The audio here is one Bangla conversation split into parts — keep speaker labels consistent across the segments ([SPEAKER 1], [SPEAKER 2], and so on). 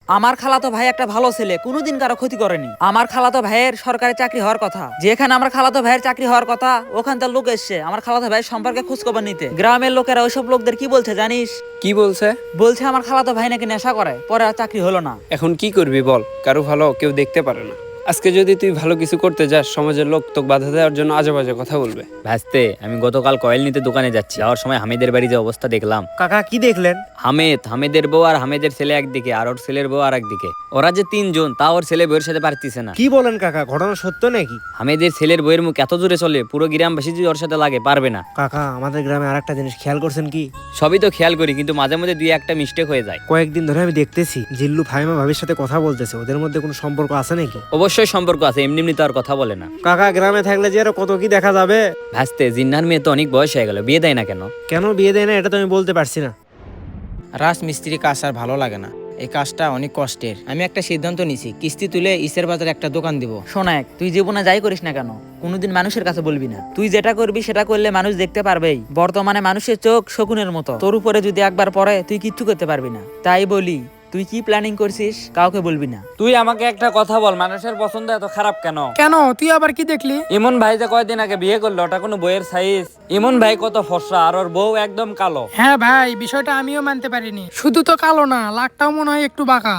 [SPEAKER 1] আমার খালাতো ভাই একটা ভালো ছেলে, কোনোদিন কারো ক্ষতি করেনি। আমার খালাতো ভাইয়ের সরকারি চাকরি হওয়ার কথা, যেখানে আমার খালাতো ভাইয়ের চাকরি হওয়ার কথা ওখান তার লোক এসছে আমার খালাতো ভাইয়ের সম্পর্কে খোঁজখবর নিতে। গ্রামের লোকেরা ওইসব লোকদের কি বলছে জানিস?
[SPEAKER 2] কি বলছে?
[SPEAKER 1] বলছে আমার খালাতো ভাই নাকি নেশা করে, পরে আর চাকরি হলো না।
[SPEAKER 2] এখন কি করবি বল, কারো ভালো কেউ দেখতে পারে না। আজকে যদি তুই ভালো কিছু করতে যাস, সমাজের লোক তোকে বাধা দেওয়ার জন্য আজে বাজে কথা বলবে।
[SPEAKER 3] ভাসতে, আমি গতকাল কয়েল নিতে দোকানে যাচ্ছি, যাওয়ার সময় হামিদের বাড়ি যে অবস্থা দেখলাম।
[SPEAKER 4] কাকা কি দেখলেন?
[SPEAKER 3] হামিদের বউ আর হামিদের ছেলে একদিকে, আর ওর ছেলের বউ আর একদিকে। ওরা যে তিনজন, তা ওর ছেলে বউয়ের সাথে পারতিছে না।
[SPEAKER 4] কি বলেন কাকা, ঘটনা সত্য নাকি?
[SPEAKER 3] হামিদের ছেলের বউয়ের মুখ এত জোরে চলে, পুরো গ্রামবাসী যদি ওর সাথে লাগে পারবে না।
[SPEAKER 4] কাকা আমাদের গ্রামে আরেকটা জিনিস খেয়াল করছেন কি?
[SPEAKER 3] সবই তো খেয়াল করি, কিন্তু মাঝে মাঝে দুই একটা মিস্টেক হয়ে যায়।
[SPEAKER 4] কয়েকদিন ধরে আমি দেখতেছি জিল্লু ফাহিমা ভাবির সাথে কথা বলতেছে, ওদের মধ্যে কোনো সম্পর্ক আছে নাকি?
[SPEAKER 3] অবশ্যই সম্পর্ক আছে, এমনি এমনি তো আর কথা বলে না।
[SPEAKER 4] কাকা গ্রামে থাকলে যে আরো কত কি দেখা যাবে।
[SPEAKER 3] ভাসতে, জিন্নার মেয়ে তো অনেক বয়স হয়ে গেল, বিয়ে দেয় না কেন?
[SPEAKER 4] কেন বিয়ে দেয় না এটা তো আমি বলতে পারছি না।
[SPEAKER 5] রাজমিস্ত্রি কাজ আর ভালো লাগে না, এই কাজটা অনেক কষ্টের। আমি একটা সিদ্ধান্ত নিছি, কিস্তি তুলে ইসের বাজারে একটা দোকান দিব।
[SPEAKER 1] শোনাক, তুই জীবনে যাই করিস না কেন, কোনোদিন মানুষের কাছে বলবি না। তুই যেটা করবি সেটা করলে মানুষ দেখতে পারবেই। বর্তমানে মানুষের চোখ শকুনের মতো, তোর উপরে যদি একবার পড়ে তুই কিচ্ছু করতে পারবি না। তাই বলি, তুই কি প্ল্যানিং করছিস কাউকে বলবি না।
[SPEAKER 2] তুই আমাকে একটা কথা বল, মানুষের পছন্দ এত খারাপ কেন?
[SPEAKER 6] কেন, তুই আবার কি দেখলি?
[SPEAKER 2] ইমন ভাই যে কয়দিন আগে বিয়ে করলো, ওটা কোনো বইয়ের সাইজ? ইমন ভাই কত ফর্সা, আর ওর বউ একদম কালো।
[SPEAKER 6] হ্যাঁ ভাই, বিষয়টা আমিও মানতে পারিনি। শুধু তো কালো না, লাকটাও মনে হয় একটু বাঁকা।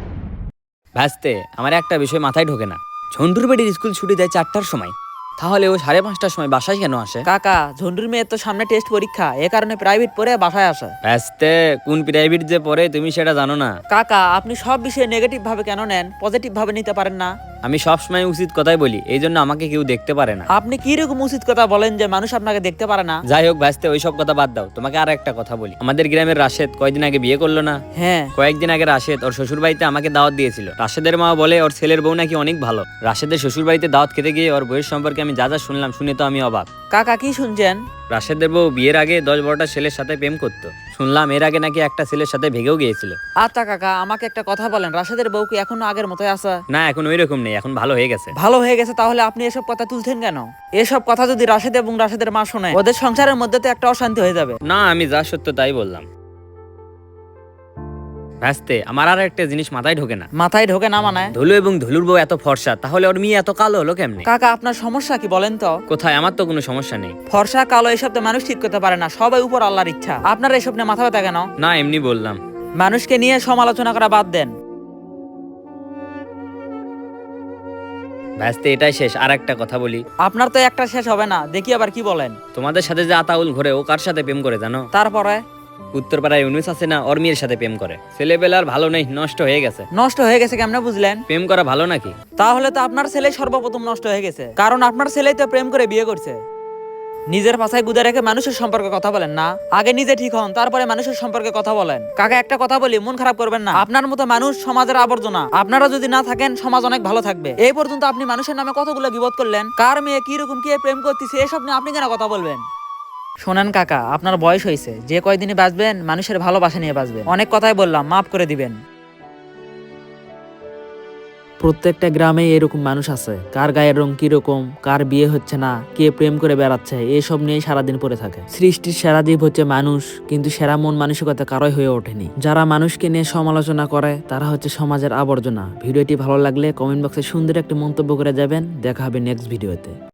[SPEAKER 3] ভাসতে, আমার একটা বিষয় মাথায় ঢোকে না। ঝন্ডুর বাড়ির স্কুল ছুটি দেয় 4টার সময়, তাহলে ও 5:30টার সময় বাসায় কেন আসে?
[SPEAKER 1] কাকা, ঝন্ডুর মেয়ের তো সামনে টেস্ট পরীক্ষা, এ কারণে প্রাইভেট পড়ে বাসায় আসে।
[SPEAKER 3] ভাসতে, কোন প্রাইভেট যে পড়ে তুমি সেটা জানো না?
[SPEAKER 1] কাকা, আপনি সব বিষয়ে নেগেটিভ ভাবে কেন নেন, পজিটিভ ভাবে নিতে পারেন না?
[SPEAKER 3] আমি সবসময় উচিত কথাই বলি, এই জন্য আমাকে কেউ দেখতে পারে না।
[SPEAKER 1] আপনি কি রকম উচিত কথা বলেন যে মানুষ আপনাকে দেখতে পারে না?
[SPEAKER 3] যাই হোক ভাসতে, ওইসব কথা বাদ দাও। তোমাকে আর একটা কথা বলি, আমাদের গ্রামের রাশেদ কয়েকদিন আগে বিয়ে করলো না?
[SPEAKER 1] হ্যাঁ।
[SPEAKER 3] কয়েকদিন আগে রাশেদ ওর শ্বশুর বাড়িতে আমাকে দাওয়াত দিয়েছিল। রাশেদের মা বলে ওর ছেলের বউ নাকি অনেক ভালো। রাশেদের শ্বশুর বাড়িতে দাওয়াত খেতে গিয়ে ওর বউয়ের সম্পর্কে আমি যা যা শুনলাম, শুনে তো আমি অবাক।
[SPEAKER 1] কাকা কি শুনছেন?
[SPEAKER 3] রাশেদের বউ বিয়ের আগে 10-12টা ছেলের সাথে প্রেম করতো। শুনলাম এর আগে নাকি একটা ছেলের সাথে ভেগেও গিয়েছিল।
[SPEAKER 1] আচ্ছা কাকা, আমাকে একটা কথা বলেন, রাশেদের বউ কি এখনো আগের মতোই আছে?
[SPEAKER 3] না, এখন ওই রকম নেই, এখন ভালো হয়ে গেছে।
[SPEAKER 1] ভালো হয়ে গেছে, তাহলে আপনি এসব কথা তুলছেন কেন? এসব কথা যদি রাশেদ এবং রাশেদের মা শোনে, ওদের সংসারের মধ্যে তো একটা অশান্তি হয়ে যাবে।
[SPEAKER 3] না, আমি যা সত্য তাই বললাম। ভাসতে, আমার আর একটা জিনিস মাথায় ঢোকে না।
[SPEAKER 1] মাথায় ঢোকে না মানে?
[SPEAKER 3] ধুলু এবং ধুলুর বউ এত ফর্সা, তাহলে ওর মেয়ে এত কালো হলো কেমনে?
[SPEAKER 1] কাকা, আপনার সমস্যা কি বলেন তো?
[SPEAKER 3] কোথায়? আমার তো কোনো সমস্যা নেই।
[SPEAKER 1] ফর্সা কালো এসব তো মানুষ ঠিক করতে পারে না, সবাই উপর আল্লাহর ইচ্ছা। আপনার এসব নিয়ে মাথা ব্যথা কেন?
[SPEAKER 3] না, এমনি বললাম।
[SPEAKER 1] মানুষকে নিয়ে সমালোচনা করা বাদ দেন।
[SPEAKER 3] ভাসতে, এটাই শেষ। আর একটা কথা বলি,
[SPEAKER 1] আপনার তো একটা শেষ হবে না, দেখি আবার কি বলেন।
[SPEAKER 3] তোমাদের সাথে যে আতাউল ঘরে, ও কার সাথে প্রেম করে জানো?
[SPEAKER 1] তারপরে?
[SPEAKER 3] উত্তরপাড়ায় ইউনুস আছে না, ওর মেয়ের সাথে প্রেম করে। ছেলেবেলার ভালো নেই, নষ্ট হয়ে গেছে।
[SPEAKER 1] নষ্ট হয়ে গেছে কেমনে বুঝলেন?
[SPEAKER 3] প্রেম করা ভালো নাকি?
[SPEAKER 1] তাহলে তো আপনার ছেলে সর্বপ্রথম নষ্ট হয়ে গেছে, কারণ আপনার ছেলেই তো প্রেম করে বিয়ে করছে। নিজের পাছায় গুদে রেখে মানুষের সম্পর্কে কথা বলেন না, আগে নিজে ঠিক হন, তারপরে মানুষের সম্পর্কে কথা বলেন। কাকা, একটা কথা বলি, মন খারাপ করবেন না। আপনার মতো মানুষ সমাজের আবর্জনা, আপনারা যদি না থাকেন সমাজ অনেক ভালো থাকবে। এই পর্যন্ত আপনি মানুষের নামে কতগুলো গীবত করলেন, কার মেয়ে কি রকম কে প্রেম করতেছে, এসব নিয়ে আপনি কেন কথা বলবেন? শোনেন কাকা, আপনার বয়স হয়েছে, যে কয়দিনই বাঁচবেন মানুষের ভালোবাসা নিয়ে বাঁচবেন। অনেক কথাই বললাম, মাফ করে দিবেন। প্রত্যেকটা গ্রামে এরকম মানুষ আছে, কার গায়ের রং কিরকম, কার বিয়ে হচ্ছে না, কে প্রেম করে বেড়াচ্ছে, এসব নিয়ে সারাদিন পড়ে থাকে। সৃষ্টির সেরা জীব হচ্ছে মানুষ, কিন্তু সেরা মন মানসিকতা কারোই হয়ে ওঠেনি। যারা মানুষকে নিয়ে সমালোচনা করে তারা হচ্ছে সমাজের আবর্জনা। ভিডিওটি ভালো লাগলে কমেন্ট বক্সে সুন্দর একটি মন্তব্য করে যাবেন। দেখা হবে নেক্সট ভিডিওতে।